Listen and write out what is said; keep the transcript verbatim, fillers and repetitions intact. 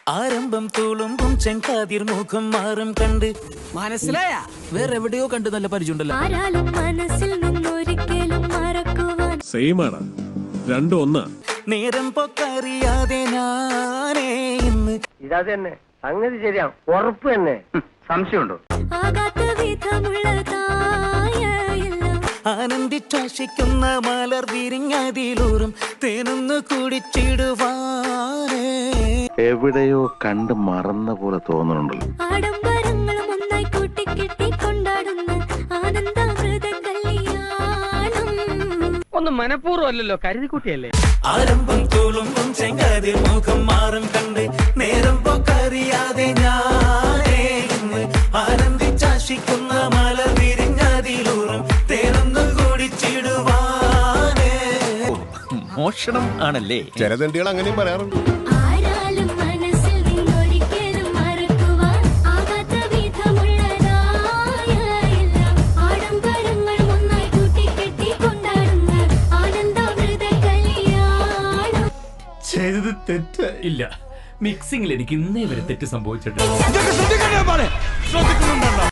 ആരംഭം തുളുമ്പും ചെങ്കാതിർ മുഖം മാറും കണ്ട് മനസ്സിലായ വേറെ എവിടെയോ കണ്ട് നല്ല പരിചയമുണ്ടല്ലോ. ആരാലും മനസ്സിൽ നിന്നൊരിക്കലും മറക്കുവാൻ സെയിം ആണ്, രണ്ടും ഒന്നാ. നേരം പൊക്കറിയാതെ ഞാനേ ഇന്ന് ഇതാ തന്നെ സംഗതി ശരിയാ, ഉറപ്പ് തന്നെ. സംശയമുണ്ടോ? ആകാത്ത വിധമുള്ളതായ എല്ലാം ആനന്ദിച്ചാശിക്കുന്ന മലർ വിരിഞ്ഞതിലൂറും തേനൊന്ന് കുടിച്ചിടുവാനേ. എവിടെയോ കണ്ട് മറന്ന പോലെ തോന്നുന്നുണ്ടല്ലോ. ആഡംബരങ്ങളും ഒന്നായി കൂട്ടിക്കെട്ടി കൊണ്ടാടുന്ന ആനന്ദാമൃത കല്യാണം. ഒന്നും മനഃപൂർവ്വം അല്ലല്ലോ, കരുതിക്കുട്ടിയല്ലേ. ആരംഭം തുളുമ്പും ചെങ്കാതിർ മുഖം മാറും കണ്ട് നേരം പൊക്കറിയാതെ ഞാനേ ഇന്ന് ആനന്ദിച്ചാശിക്കുന്ന മലർ വിരിഞ്ഞതിലൂറും തേനൊന്ന് കുടിച്ചിടുവാനേ. മോഷണം ആണല്ലേ? ജലദണ്ഡികൾ അങ്ങനെയും പറയാറുണ്ട്. ആരാലും മനസ്സിൽ നിന്നൊരിക്കലും മറക്കുവാൻ ആകാത്ത വിധമുള്ളതായ എല്ലാം ആഡംബരങ്ങളും ഒന്നായി കൂട്ടിക്കെട്ടി കൊണ്ടാടുന്ന ആനന്ദാമൃത കല്യാണം. ചെയ്തത് തെറ്റ് ഇല്ല. മിക്സിംഗിൽ എനിക്ക് ഇന്നേ വരെ തെറ്റ് സംഭവിച്ചിട്ടുണ്ട്.